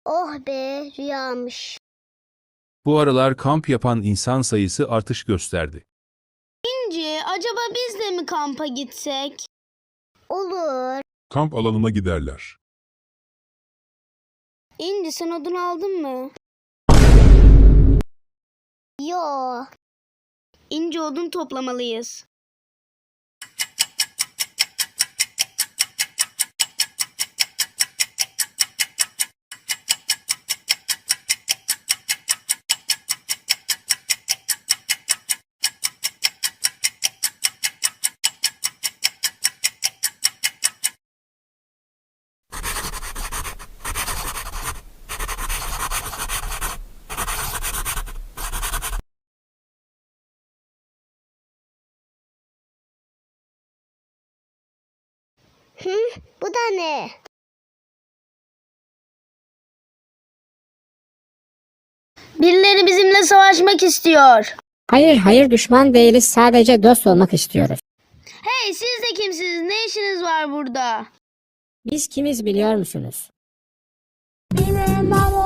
Oh be, rüyamış. Bu aralar kamp yapan insan sayısı artış gösterdi. İnci, acaba biz de mi kampa gitsek? Olur. Kamp alanına giderler. İnci, sen odun aldın mı? Yo. İnci, odun toplamalıyız. Bu da ne? Birileri bizimle savaşmak istiyor. Hayır düşman değiliz, sadece dost olmak istiyoruz. Hey, siz de kimsiniz? Ne işiniz var burada? Biz kimiz biliyor musunuz? Benim